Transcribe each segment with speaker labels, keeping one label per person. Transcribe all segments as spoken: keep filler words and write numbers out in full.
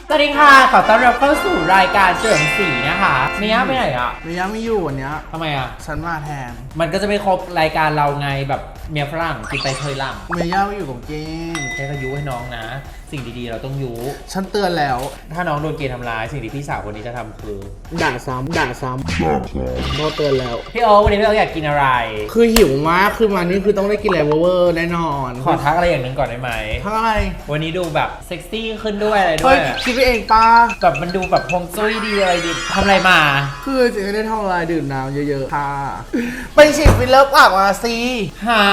Speaker 1: สวัสดีค่ะขอต้อนรับเข้าสู่รายการเฉลิมศรีนะคะเมียไปไหนอ่ะ
Speaker 2: เมียไม่อยู่วันเนี้ย
Speaker 1: ทำไมอ่ะ
Speaker 2: ฉันมาแทน
Speaker 1: มันก็จะไม่ครบรายการเราไงแบบเมียฝรั่งกินไปเคยหลัง
Speaker 2: เมียย่าไม่อยู่กับเกม
Speaker 1: แค่ก็ยุให้น้องนะสิ่งดีๆเราต้องยุ
Speaker 2: ฉันเตือนแล้ว
Speaker 1: ถ้าน้องโดนเกย์ทำร้ายสิ่งที่พี่สาวคนนี้จะทำคือ
Speaker 2: ด่าซ้ำด่าซ้ำโดนเตือนแล้ว
Speaker 1: พี่โอ๊ควันนี้พี่โอ๊คอยากกินอะไร
Speaker 2: คือหิวมากคือมานี่คือต้องได้กินอะไรเวอร์แน่นอน
Speaker 1: ขอทักอะไรอย่างหนึ่งก่อนได้ไหม
Speaker 2: ทักอะไร
Speaker 1: วันนี้ดูแบบเซ็กซี่ขึ้นด้วยอะไรด้วย
Speaker 2: คิดไปเองปะ
Speaker 1: แบบมันดูแบบพงจุ้ยดีอะไรดีทำอะไรมา
Speaker 2: คือจริงๆได้ทำอะไรดื่มน้ำเยอะๆค่ะไปฉีดฟิลเลอร์ปากมาสิ
Speaker 1: หา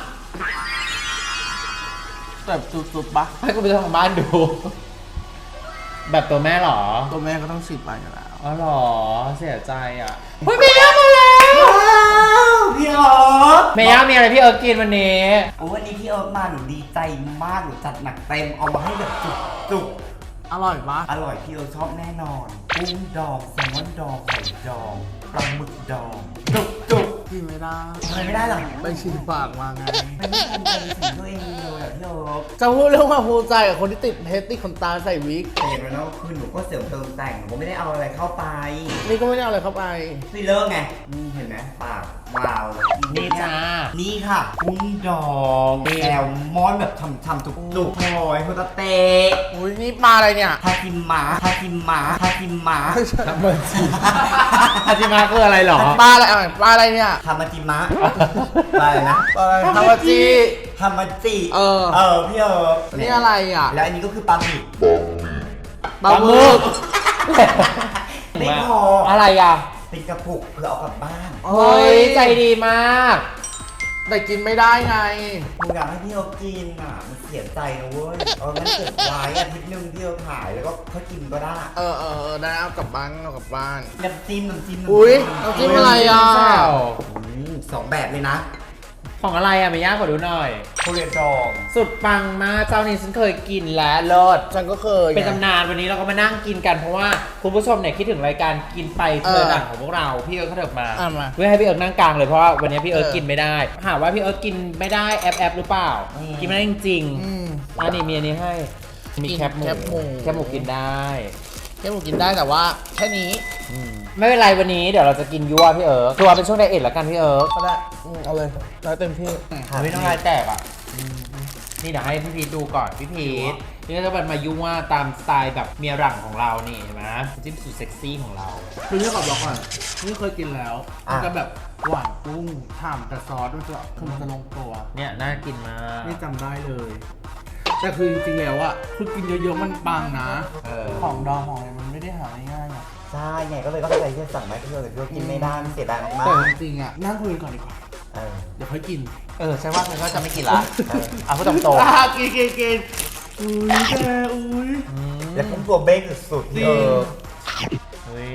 Speaker 2: แบบสุดๆปะ
Speaker 1: ให้กูไปทางบ้านดูแบบตัวแม่หรอ
Speaker 2: ตัวแม่ก็ต้องฉีดไปอยู่แล้ว
Speaker 1: อ๋อหรอเสียใจอ่ะเฮ้ยเมย่ามาแล้ว
Speaker 3: พี่เอิร์ก
Speaker 1: เมย่ามีอะไรพี่เอิร์กกินวันนี้
Speaker 3: โอ้วันนี้พี่เอิร์กมาหนูดีใจมากหนูจัดหนักเต็มเอามาให้แบบจุกจุก
Speaker 2: อร่อยปะ
Speaker 3: อร่อยพี่เอิร์กชอบแน่นอนกุ้งดองแซลมอนดองไข่ดองปลาหมึกดองจุกจุก
Speaker 2: กินไม่ได้
Speaker 3: ทำไมไม่ได้หรอ
Speaker 2: ไปฉีดปากมาไง
Speaker 3: ไม่ได้ทำใจถึงตัวเองเลยอะพี่เอิร์ก
Speaker 2: จะพูดเรื่องความภูมิใจกับคนที่ติดเพชรติดขนตาใส่วิก
Speaker 3: เห็นไหมเนาะคือหนูก็เสริมเติมแต่งหนูก็ไม่ได้เอาอะไรเข้าไป
Speaker 2: นี่ก็ไม่ได้เอาอะไรเข้าไป
Speaker 3: ฟิลเลอร์ไงเห็นไหมปากวาว
Speaker 1: นี่จ้า
Speaker 3: นี่ค่ะกุ้งดองแซลมอนแบบฉ่ำๆจุกๆโอ้ยโฮตาเตะ
Speaker 2: อุ้ยนี่ปลาอะไรเนี่ย
Speaker 3: ทาคิมมะทาคิมมะทาคิมมะ
Speaker 1: ทำมาจิทาจิมะคืออะไรหรอ
Speaker 2: ปลาอะไรปลาอะไรเนี่ย
Speaker 3: ทามาจิมะปลาอะไรนะ
Speaker 2: ปลาอะไรทามาจิ
Speaker 3: ทามาจิ
Speaker 2: เออ
Speaker 3: เออพี่เออ
Speaker 2: นี่อะไรอ่ะ
Speaker 3: แล้วอันนี้ก็คือปลาหมึก
Speaker 2: ปลาหมึก
Speaker 3: ไม่พอ
Speaker 1: อะไรอ่ะ
Speaker 3: เป็นกระปุกเพื่อเอากลับบ้าน
Speaker 1: เฮ้ยใจดีมาก
Speaker 2: แต่กินไม่ได้ไง
Speaker 3: หนูอยากให้พี่เอกินอ่ะมันเสียใจนะเว้ยเอองั้นเก็บไว้อาทิตย์นึงพี่เอถ่ายแล้วก็เขากินก็ได้
Speaker 2: เออเออได้เอากลับบ้านเอากลับบ้าน
Speaker 3: น้ำจิ้มน้ำจิ้ม
Speaker 2: อุ้ยน้ำจิ้มอะไรอ่ะ
Speaker 3: สองแบบเลยนะ
Speaker 1: ของอะไรอ่ะไม่ยากกว่าดูหน่อย
Speaker 3: ทุเรียนดอง
Speaker 1: สุดปังมากเจ้านี้ฉันเคยกินแล้วเลิศ
Speaker 2: ฉันก็เคย
Speaker 1: เป็นตำนานวันนี้เราก็มานั่งกินกันเพราะว่าคุณผู้ชมเนี่ยคิดถึงรายการกินไปเธอหนังของพวกเราพี่เอิร์กเขาเถิบมาเพื่อให้พี่เอิร์กนั่งกลางเลยเพราะว่าวันนี้พี่เอิร์กกินไม่ได้หาว่าพี่เอิร์กกินไม่ได้แอปแอปหรือเปล่ากินไม่ได้จริงๆอันนี้มีอันนี้ให้มีแคปหมูแคปหมูกินได้
Speaker 2: แคปหมูกินได้แต่ว่าแค่นี้
Speaker 1: ไม่เป็นไรวันนี้เดี๋ยวเราจะกินยั่วพี่เอิร์กตัวเป็นช่วงไดเอทแล้วกันพี่เอิร์ก
Speaker 2: ก็ได้เอาเลยได้เต็มที่
Speaker 1: ไม่ต้องลายแตกอ่ะนี่เดี๋ยวให้พี่พีทดูก่อนพี่พีทนี่ก็จะเป็นมายั่วตามสไตล์แบบเมียหลังของเรานี่เห็นไหมจิ้มสุดเซ็กซี่ของเรา
Speaker 2: คือที่ขอบอกก่อนนี่เคยกินแล้วมันจะแบบหวานกุ้งฉ่ำแต่ซอสมันจะคือมันจะลงตัว
Speaker 1: เนี่ยน่ากินมาก
Speaker 2: นี่จำได้เลยแต่คือจริงๆแล้วอ่ะคือกินเยอะๆมันปังนะของดองของอะไรมันไม่ได้หาง่ายๆอ่ะ
Speaker 3: ใช่ไงก็เลยต้องใจที่สั่งไหมพี่เอิร์กพี่เอิร์กกินไม่ได้มันเสียดายมาก
Speaker 2: แต่จริงๆอ่ะนั่งคุยก่อนดีกว่าเดี๋ยวค่อยกิน
Speaker 1: เออใช่ว่าฉันก็จะไม่กินละเอาพูดตรง
Speaker 2: ๆกินกินกินอุ้ยแกอุ้ย
Speaker 3: แล้วกุ้งตัวเบ้งสุดๆพี่เอิร์ก
Speaker 1: เฮ้ย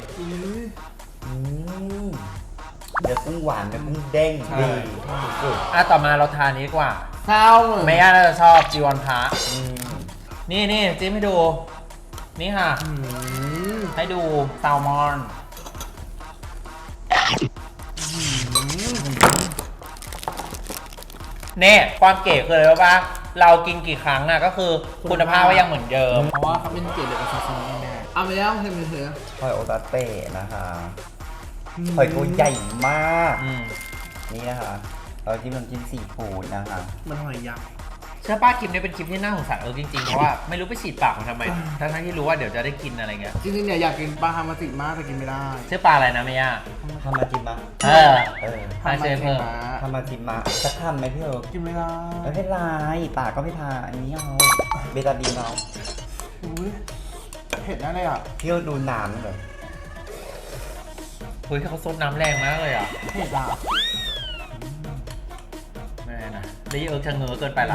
Speaker 3: เดี๋ยวกุ้งหวานเดี๋ยวกุ้งเด้งดี
Speaker 1: อ่ะต่อมาเราทานนี้ดีกว่า
Speaker 2: ข้าว
Speaker 1: ไม่ยากน่าจะชอบจีวรพระนี่นี่จิ้มให้ดูนี่ค่ะให้ดูแซลมอนเนี่ยความเก๋คืออะไรรู้ป่ะเรากินกี่ครั้งอะก็คือคุณภาพก็ยังเหมือนเดิม
Speaker 2: เพราะว่าเขาเป็นเกล็ดเดียวกับซาซิมิแม่เอาไปแล้วเห็นไหมเธอ
Speaker 3: หอยโอตาเต้นะคะหอยตัวใหญ่มากนี่นะคะเราจิ้มน้ำจิ้มซีฟู้ดนะคะ
Speaker 2: มันหอยยักษ์
Speaker 1: เชื่อป้าคลิปนี้เป็นคลิปที่น่าสงสารเออจริงๆเพราะว่าไม่รู้ไปฉีดปากมันทำไมทั้งที่รู้ว่าเดี๋ยวจะได้กินอะไรเงี้ย
Speaker 2: จริงๆเนี่ยอยากกินปลาฮามาจิมากแต่กินไม่ได้
Speaker 1: ชื่อปลาอะไรนะเมีย
Speaker 3: ฮามาจิมะ
Speaker 1: เออเออฮามาจิมะ
Speaker 3: ฮามาจิมะสักคำไหมพี่เอิร์ก
Speaker 2: กินไม่ได้
Speaker 3: ไม่เป็นไรปากก็ไม่ทาอันนี้เอาเบตาดีนเอา
Speaker 2: อุ้ยเผ็ดแน่เลยอ่ะ
Speaker 3: พี่เอิร์กดูน้ำแบบ
Speaker 1: เฮ้ยเขาซดน้ำแรงมากเลยอ่ะ
Speaker 2: เผ็ดอ่ะ
Speaker 1: แม่นะแล้วยี่เอิร์กชะเง้อเกินไปละ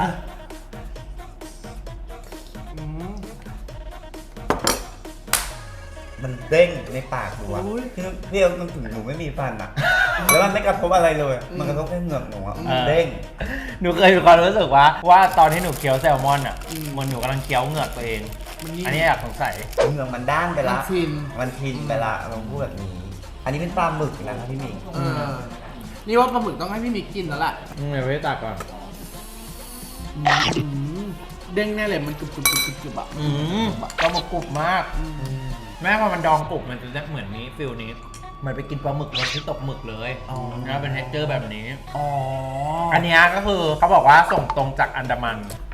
Speaker 3: มันเด้งในปากหนูอะพี่พี่เอิร์กมันถึงหนูไม่มีฟันอะแล้วมันไม่กระทบอะไรเลยมันกระทบแค่เหงือกหนูอะมันเด้ง
Speaker 1: หนูเคยมีความรู้สึกว่าว่าตอนที่หนูเคี้ยวแซลมอนอะมันหนูกำลังเคี้ยวเหงือกตัวเองอันนี้อยากสงสัย
Speaker 3: เหงือกมันด้านไปละ
Speaker 2: มันทิน
Speaker 3: มันทินไปละลองพูดแบบนี้อันนี้เป็นปลาหมึกนะครับพี่มิง
Speaker 2: นี่ว่าปลาหมึกต้องให้พี่มิกกินแล้วแหละ
Speaker 1: เดี๋ยวไปตักก่อน
Speaker 2: เด้งแน่เลยมันกรึบกรึบกรึบกรึบกรึบอ่ะ
Speaker 1: อืมปลาหมึกกรุบมากแม่พอมันดองกรุบมันจะเหมือนนี้ฟิลนี้เหมือนไปกินปลาหมึกรสที่ตกหมึกเลยแล้วเป็นเท็กเจอร์แบบนี้
Speaker 2: อ๋อ
Speaker 1: อันนี้ก็คือเขาบอกว่าส่งตรงจากอันดามัน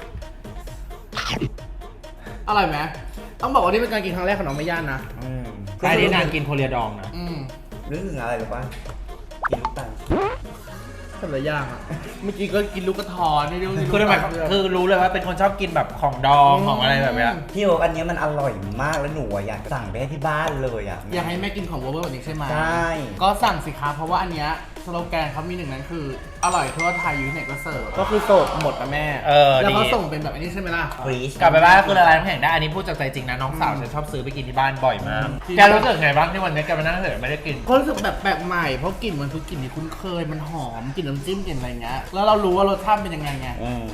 Speaker 2: อร่อยไหมต้องบอกว่านี่เป็นการกินครั้งแรกของน้องไม่ย่านนะ
Speaker 3: อืม
Speaker 1: อันนี้นางกินโคเรียดองนะ
Speaker 2: อืม
Speaker 3: นึกถึงอะไรหรือป่ะกินลูกตาล
Speaker 2: แต่ละอย่างอ่ะเมื่อกี้ก็กินลูกกระทอนนี่ด้วย
Speaker 1: คือทำไมคือรู้เลยว่าเป็นคนชอบกินแบบของดองของอะไรแบบเนี้ย
Speaker 3: พี่โอ๊คอันเนี้ยมันอร่อยมากแล้วหนูอะอยากสั่งไปให้ที่บ้านเลยอ่ะ
Speaker 2: อยากให้แม่กินของเวอร์เวอร์แบบนี้ใช่ไหม
Speaker 3: ใช่
Speaker 2: ก็สั่งสิคะเพราะว่าอันเนี้ยสโลแกนเขามีหนึ่งนั้นคืออร่อยทั่วไทยอยู่ที่ไหนก็เสิร์ฟก็คือโสดหมดนะแม่
Speaker 1: เออ
Speaker 2: แล้ว
Speaker 1: ดี
Speaker 2: เขาส่งเป็นแบบอันนี้ใช่ไหมล่ะ
Speaker 3: ฟรีช
Speaker 1: กลับไปบ้านก็คือละลายน้ำแข็งได้อันนี้พูดจากใจจริงนะน้องสาวฉันชอบซื้อไปกินที่บ้านบ่อยมาก
Speaker 2: อืม
Speaker 1: แกรู้สึกไงบ้างที่วันนี้แกมานั่งเฉยไม่ได้กิน
Speaker 2: เขารู้สึกแบบแปลกใหม่เพราะกลิ่นมันคือกลิ่นที่คุ้นเคยมันหอมกลิ่นน้ำจิ้มกลิ่นอะไรเงี้ยแล้วเรารู้ว่ารสชาติเป็นยังไงไง
Speaker 3: อืม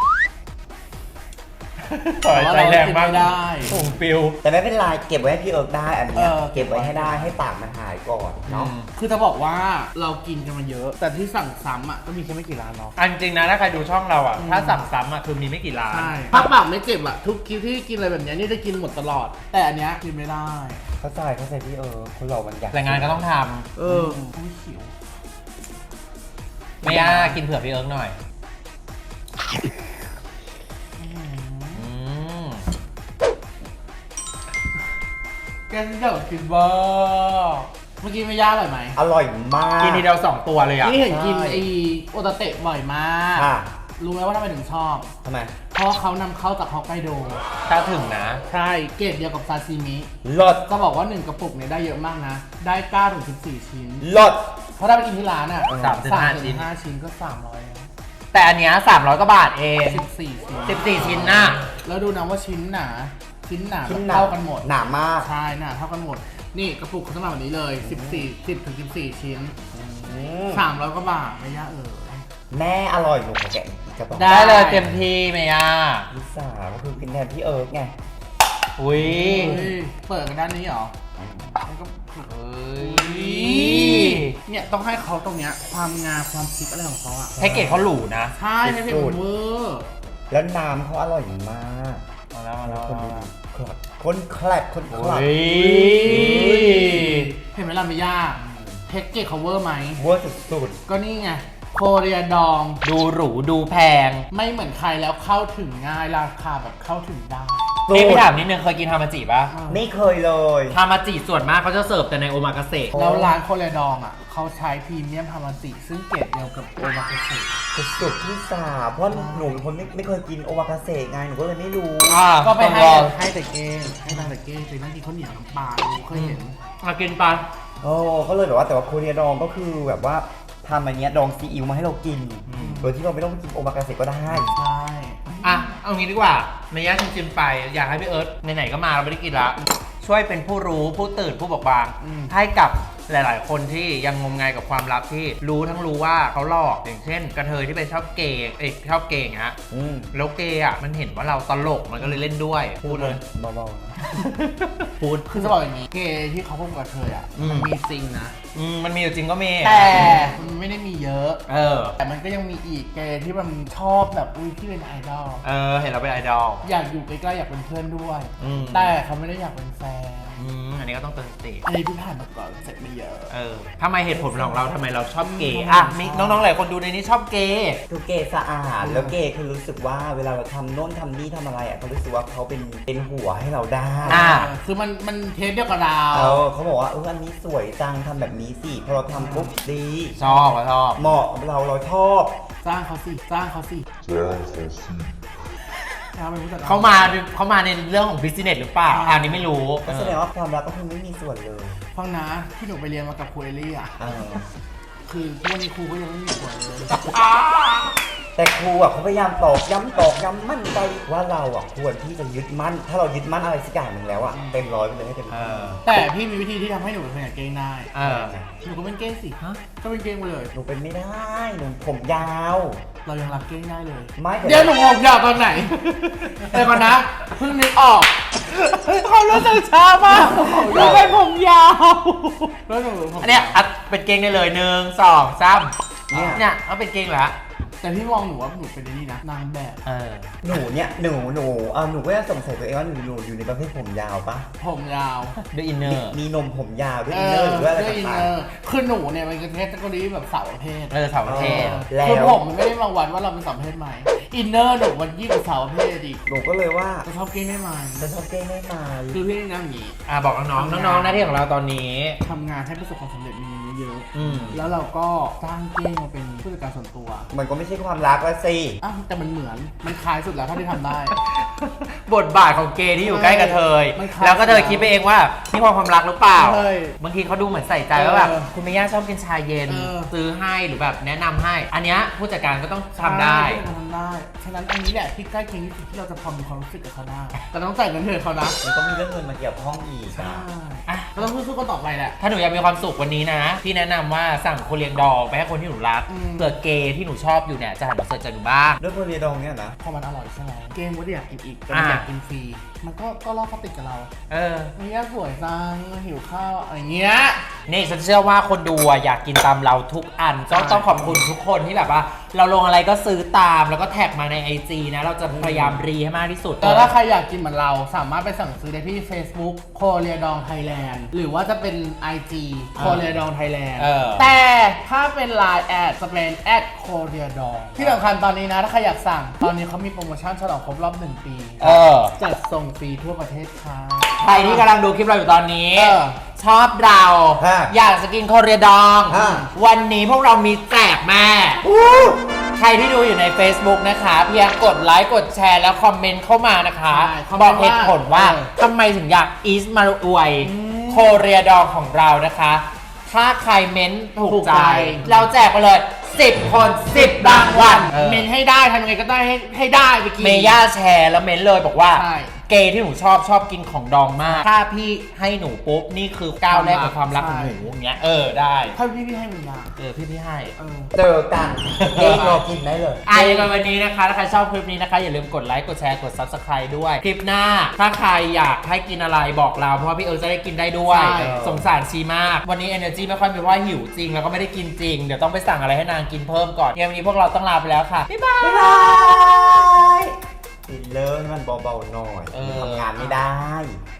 Speaker 1: ปล่อยใจแรงมาก
Speaker 2: แต่ว่าเรากินไม่ได้
Speaker 1: ผงฟิว
Speaker 3: แต่ไม่เป็นไรเก็บไว้ให้พี่เอิร์กได้อันเนี้ย
Speaker 2: เออ
Speaker 3: เก็บไว้ให้ได้ให้ปากมันหายก่อนเนาะ
Speaker 2: คือจะบอกว่าเรากินกันมาเยอะ แต่ที่สั่งซ้ำอ่ะก็มีแค่ไม่กี่ร้านเนาะ
Speaker 1: อันจริงนะถ้าใครดูช่องเราอ่ะ
Speaker 2: อืม
Speaker 1: ถ้าสั่งซ้ำอ่ะคือมีไม่กี่ร้าน
Speaker 2: ใช่ถ้าปากไม่เจ็บอ่ะทุกคลิปที่กินอะไรแบบเนี้ยนี่ได้กินหมดตลอด แต่อันเนี้ยกินไม่ได้
Speaker 3: เข้าใจเข้าใจพี่เอิร์กคนเรามันอยาก
Speaker 1: แรงงานก็ต้องท
Speaker 2: เอออุ้ยขิว
Speaker 1: ำไม่ยากกินเผื่อพี่เอิร์กหน่อยอืม
Speaker 2: แกงเดี่ยวกินบ้าเมื่อกี้ไม่ยากเลยไหม
Speaker 3: อร่อยมาก
Speaker 1: กินทีเดียวสองตัวเลยอ่ะ
Speaker 2: นี่เห็นกิน
Speaker 3: ใช่
Speaker 2: ไอโอตาเตะบ่อยมาก
Speaker 3: ค่ะ
Speaker 2: รู้ไหมว่าทำไมถึงชอบ
Speaker 3: ทำไม
Speaker 2: เพราะเขานำเข้าจากฮอกไกโด
Speaker 1: ถ้าถึงนะ
Speaker 2: ใช่เกรดเดียวกับซาซิมิ
Speaker 3: ลด
Speaker 2: จะบอกว่าหนึ่งกระปุกเนี่ยได้เยอะมากนะ ได้เก้าถึงสิบสี่ชิ้น
Speaker 3: ลด
Speaker 2: เพราะถ้าไปกินที่ร้านอ่ะ
Speaker 1: สามถึงห้าชิ้น
Speaker 2: ห้าชิ้นก็สามร้อย
Speaker 1: แต่อันเนี้ยสามร้อยกว่าบาทเอง
Speaker 2: สิบสี่ชิ้น
Speaker 1: สิบสี่ชิ้นน่ะ
Speaker 2: แล้วดูนะว่าชิ้นหนา ชิ้นหนา
Speaker 3: ชิ้น
Speaker 2: แบบ
Speaker 3: หนา
Speaker 2: เท่ากันหมด
Speaker 3: หนามาก
Speaker 2: ใช่หนาเท่ากันหมด นี่กระปุกเขาจะมาแบบนี้เลยสิบสี่ สิบถึงสิบสี่ชิ้น
Speaker 3: อืม
Speaker 2: สามร้อยกว่าบาทไม่ยากเออ
Speaker 3: แม่อร่อยหนูขอแกะอีกกระป๋อง
Speaker 2: ได้
Speaker 1: ได้เลยเต็มที่เมย่า
Speaker 3: ลิซ่าก็คือกินแทนพี่เอิร์กไง
Speaker 1: อุ้ย
Speaker 2: เฮ้ยเปิดกันด้านนี้เหรอมันก็
Speaker 1: เฮ้ย
Speaker 2: เนี่ยต้องให้เขาตรงเนี้ยความงามความคิดอะไรของเขาอ่ะ
Speaker 1: แพ็กเกจเขาหรูนะ
Speaker 2: ใช่ไม่เป็นเวอร์
Speaker 3: แล้วน้ำเขาอร่อยมาก
Speaker 1: มาแล้วมาแล้ว
Speaker 3: คน
Speaker 1: มา
Speaker 3: ดู
Speaker 1: แล้ว
Speaker 3: คลัดคนแคลดคนคลัด
Speaker 1: โอ้ย
Speaker 2: เห็นไหมล่ะไม่ยากแพ็กเกจเขาเวอร์ไหม
Speaker 3: เวอร์สุด
Speaker 2: ก็นี่ไงโคเรียดอง
Speaker 1: ดูหรูดูแพง
Speaker 2: ไม่เหมือนใครแล้วเข้าถึงง่ายราคาแบบเข้าถึงได้
Speaker 3: ๆ
Speaker 1: เอ้พี่ถามนิดนึงเคยกินฮามาจิป่ะ
Speaker 3: ไม่เคยเลย
Speaker 1: ฮามาจิส่วนมากเขาจะเสิร์ฟแต่ในโอมากาเสะ
Speaker 2: แล้วร้านโคเรียดองอ่ะเขาใช้พรีเมียมฮามาจิซึ่งเกรดเดียวกับโอมาเกสึ
Speaker 3: สุดๆที่สาเพราะหนูเป็นคนไม่ไม่เคยกินโอวากาเสะไงหนูก็เลยไม่รู้
Speaker 1: อ่า
Speaker 2: ก็ไป
Speaker 1: ต้อง
Speaker 2: ให้
Speaker 1: ลอง
Speaker 2: ให้แต่เก้งให้ทางแต่เก้งไปนั่งกินข้าวเหนียวน้ำปลาดูเคยเห็น
Speaker 1: มากินปะ
Speaker 3: โอ้ก็เลยแบบว่าแต่ว่าโคเรียดองก็คือแบบว่าทำอันเนี้ยดองซีอิ๊วมาให้เรากิน โดยที่เราไม่ต้องไปกินโอมากาเสะก็ได้
Speaker 2: ใช่
Speaker 1: อ่ะเอางี้ดีกว่าเมย่าชิมๆไปอยากให้พี่เอิร์ธไหนๆก็มาเราไม่ได้กินละช่วยเป็นผู้รู้ผู้ตื่นผู้บอกบาง ให้กับหลาย ๆ คนที่ยังงมงายกับความลับที่รู้ทั้งรู้ว่าเขาหลอกอย่างเช่น กระเทยที่ไปชอบเกย์เอ้ยชอบเกย์อย่างเงี้ย
Speaker 3: อืม
Speaker 1: แล้วเกย์อ่ะมันเห็นว่าเราตลกมันก็เลยเล่นด้วยพูดเลย
Speaker 3: เบาๆนะ
Speaker 1: พูด
Speaker 2: คือจะบอกอย่างนี้เกย์ที่เขาพูดกับเธออ่ะ
Speaker 1: อืม
Speaker 2: มันมีจริงนะ
Speaker 1: อืมมันมีอยู่จริงก็มี
Speaker 2: แต่มันไม่ได้มีเยอะ
Speaker 1: เออ
Speaker 2: แต่มันก็ยังมีอีกเกย์ที่มันชอบแบบอุ้ยที่เป็นไอดอล
Speaker 1: เออเห็นเราเป็นไอดอล
Speaker 2: อยากอยู่ใกล้ๆอยากเป็นเพื่อนด้วย
Speaker 1: อืม
Speaker 2: แต่เขาไม่ได้อยากเป็นแฟน
Speaker 1: อืมอันนี้ก็ต้องเตือนสติ
Speaker 2: อันนี้พี่ผ่านมาก่อนเสร็จไม่เยอะ
Speaker 1: เออทำไมเหตุผลของเราทำไมเราชอบเกย์อ่ะมีน้องๆหลายคนดูในนี้ชอบเกย์
Speaker 3: คือเกย์สะอาดแล้วเกย์คือรู้สึกว่าเวลาเราทำโน่นทำนี่ทำอะไรอ่ะเขารู้สึกว่าเขาเป็นเป็นหัวให้เราได้
Speaker 1: อ่า
Speaker 2: คือมันมันเทสเดียวกับเรา
Speaker 3: เออเขาบอกว่าเอออันนี้สวยจังทำแบบนี้สิพอเราทำปุ๊บดี
Speaker 1: ชอบก็ชอบ
Speaker 3: เหมาะกับเราเราชอบ
Speaker 2: สร้างเขาสิสร้างเขาสิเขาเป็นผู้จัดกร
Speaker 1: เขามาเขามาในเรื่องของบิสเนสหรือเปล่าอะอันนี้ไม่รู้
Speaker 3: ก็แสดงว่าความรักก็คือไม่มีส่วนเลย
Speaker 2: ฟังนะที่หนูไปเรียนมากับครูเอลี่อ่ะ
Speaker 3: เออ
Speaker 2: คือทุกวันนี้ครูก็ยังไม่มีส่วนเลย
Speaker 3: แต่ครูอ่ะเขาพยายามตอกย้ำตอกย้ำมั่นใจว่าเราอ่ะควรที่จะยึดมั่น ถ้าเรายึดมั่นอะไรสักอย่างหนึ่งแล้วอ่ะเต็มร้อยไปเลยให้เต็ม
Speaker 1: เอ
Speaker 3: ที่
Speaker 1: อ
Speaker 2: แต่พี่มีวิธีที่ทำให้หนูเป็นคนอย่างเก้งได้
Speaker 1: เออ
Speaker 2: หนูก็เป็นเก้งสิ
Speaker 1: ฮะ
Speaker 2: ก็เป็นเก้งไปเลย
Speaker 3: หนูเป็นไม่ได้หนูผมยาว
Speaker 2: เรายังรักเก้งได้เลย
Speaker 3: ไม่
Speaker 2: เดี๋ยวหนูงงยาวตอนไหนแต่ก่อนนะเพิ่งนึกออกเขารู้สึกช้ามากหนูเป็นผมยาวแล้วหนูผม
Speaker 1: อันเนี้ยอัดเป็นเกงได้เลยหนึ่งสองสามเนี่ยเขาเป็นเกงเหรอฮะ
Speaker 2: แต่พี่มองหนูว่าหนูเป็นนี่นะนางแบบ
Speaker 1: เออ
Speaker 3: หนูเนี่ยหนูหนูเออหนูก็ยังสงสัยตัวเองว่าหนูหนูอยู่ในประเภทผมยาวปะ
Speaker 2: ผมยาว
Speaker 1: ด้วยอินเนอ
Speaker 3: มี
Speaker 1: ร์
Speaker 3: มีนมผมยาวด้วยอินเนอร์หรือว่าอะไร
Speaker 2: ด้วยอิน
Speaker 3: ต่า
Speaker 2: เนอง ร์คือหนูเนี่ยมันคือเทสตะกรีแบบสาวประเภท
Speaker 1: เออสาวประเทศ
Speaker 3: ๆแล้ว
Speaker 2: คือผมมันไม่ได้มาวัดว่าเราเป็นสาวประเภทไหมอินเนอร์หนูมันยิ่งกว่าสาวประเภทอีก
Speaker 3: หนูก็เลยว่า
Speaker 2: จะชอบเก้งได้ไหม
Speaker 3: จะชอบเก้งได้ไหม
Speaker 2: คือพี่นี่นะอย่างนี้
Speaker 1: อ่ะบอกน้องๆน้องๆหน้าที่ของเราตอนนี้
Speaker 2: ทำงานให้ประสบความสำเร็จมีเงินเยอะ
Speaker 1: อืม
Speaker 2: แล้วเราก็สร้างเก้งมาเป็นผู้จัดการส่วนตัว
Speaker 3: มันก็ไม่ใช่ความรักละสิ
Speaker 2: อ้าวแต่มันเหมือนมันคล้ายสุดแล้วเท่าที่ทำได้
Speaker 1: บทบาทของเกย์ที่อยู่ใกล้กับเธอ
Speaker 2: ไม่คล้าย
Speaker 1: แล้วก็เธอคิดไปเองว่านี่ความรักหรือเปล่า
Speaker 2: ใช่
Speaker 1: บางทีเขาดูเหมือนใส่ใจว่าแบบ
Speaker 2: เออ
Speaker 1: คุณเมย่าชอบกินชาเย็น
Speaker 2: เออ
Speaker 1: ซื้อให้หรือแบบแนะนำให้ อันเนี้ยผู้จัดการก็ต้องทำได้
Speaker 2: ใช่ทำได้ ฉะนั้นอันนี้แหละที่ใกล้เคียงที่สุดที่เราจะพอมีความรู้สึกกับเขาได้ แต่ต้องจ่ายเงินเดือนเขานะ
Speaker 3: มันก็มีเรื่องเงินมาเกี่ยวข้องอีก
Speaker 2: ใช่
Speaker 1: อ่ะ
Speaker 2: ก็ต้องสู้ๆกันต่อไปแหละ
Speaker 1: ถ้าหนูอยากมีความสุขวันนี้นะ พี่แนะนำว่าสั่งโคเรียนดองไปให้คนที่หนูรัก
Speaker 2: อืม
Speaker 1: เผื่อเกย์ที่หนูชอบอยู่เนี่ยจะหันมาเสิร์ชจากหนูบ้าง
Speaker 3: ด้วยโพลีดองเนี่ยนะ
Speaker 2: พอมันอร่อยใช่ไหมเกมว่าอยากกินอีกแต่มัน
Speaker 1: อ่า
Speaker 2: อยากกินฟรี มันก็ก็ล่อเขาติดกับเรา
Speaker 1: เออ
Speaker 2: เฮ้ยสวยจังหิวข้าวอะไรเงี้ย
Speaker 1: นี่ฉันเชื่อว่าคนดูอะอยากกินตามเราทุกอันก็ต้องขอบคุณทุกคนที่แบบว่า เราลงอะไรก็ซื้อตามแล้วก็แท็กมาใน ไอ จี นะ เราจะพยายามรีให้มากที่สุด
Speaker 2: แล้วถ้าใครอยากกินเหมือนเราสามารถไปสั่งซื้อได้ที่ Facebook โคเรียดองไทยแลนด์หรือว่าจะเป็น ไอ จี โคเรียดองไทยแลนด์
Speaker 1: เออ
Speaker 2: แต่ถ้าเป็น ไลน์ แอดจะเป็นแอดโคเรียดองที่สำคัญตอนนี้นะ ถ้าใครอยากสั่ง ตอนนี้เขามีโปรโมชั่นฉลองครบรอบหนึ่งปี
Speaker 1: เออ
Speaker 2: จัดส่งฟรีทั่วประเทศค่ะ
Speaker 1: ใครที่กำลังดูคลิปเราอยู่ตอนนี้
Speaker 2: เออ
Speaker 1: ชอบเรา
Speaker 3: ฮะ
Speaker 1: อยากจะกินโคเรียดอง
Speaker 3: ฮะ
Speaker 1: วันนี้พวกเรามีแจกแม่ ใครที่ดูอยู่ใน Facebook นะคะ เพียงกดไลค์กดแชร์แล้วคอมเมนต์เข้ามานะคะ
Speaker 2: ใช่คอม
Speaker 1: บ
Speaker 2: เม
Speaker 1: อน ก
Speaker 2: ต์
Speaker 1: เหตุผลว่า
Speaker 2: ว่า
Speaker 1: ทำไมถึงอยากอีสมาอวยโคเรียดองของเรานะคะ ถ้าใครเม้นต์ถูก
Speaker 2: ถูก
Speaker 1: ใจ
Speaker 2: ใจ
Speaker 1: เราแจกไปเลยสิบคนสิบรางวัล
Speaker 2: เมนให้ได้ทำยังไงก็ได้ให้ให้ได้ไปกิน
Speaker 1: เมย่าแชร์แล้วเม้นต์เลยบอกว่า
Speaker 2: ใช่
Speaker 1: เกย์ที่หนูชอบชอบกินของดองมาก ถ้าพี่ให้หนูปุ๊บ นี่คือก้าวแรกของความรักของหนูอย่างเงี้ยเออได้
Speaker 2: ถ้าพี่พี่ให้มันยา
Speaker 1: เออพี่พี่ให้
Speaker 2: เออ
Speaker 3: เจอกันเก้งรอกินได้เลย
Speaker 1: อ่ะยังไงวันนี้นะคะ ถ้าใครชอบคลิปนี้นะคะ อย่าลืมกดไลค์ กดแชร์ กด Subscribe ด้วย คลิปหน้า ถ้าใครอยากให้กินอะไรบอกเรา เพราะว่าพี่เอิร์ธจะได้กินได้ด้วย
Speaker 2: ใช่
Speaker 1: สงสารชีมาก วันนี้ energy ไม่ค่อยมีเพราะว่าหิวจริง แล้วก็ไม่ได้กินจริง เดี๋ยวต้องไปสั่งอะไรให้นางกินเพิ่มก่อนยังไงวันนี้พวกเราต้องลาไปแล้วค่ะ บ๊ายบาย
Speaker 3: บ๊ายบายฟิลเลอร์ให้มันเบาๆหน่อย
Speaker 1: เออ
Speaker 3: ทำงานไม่ได้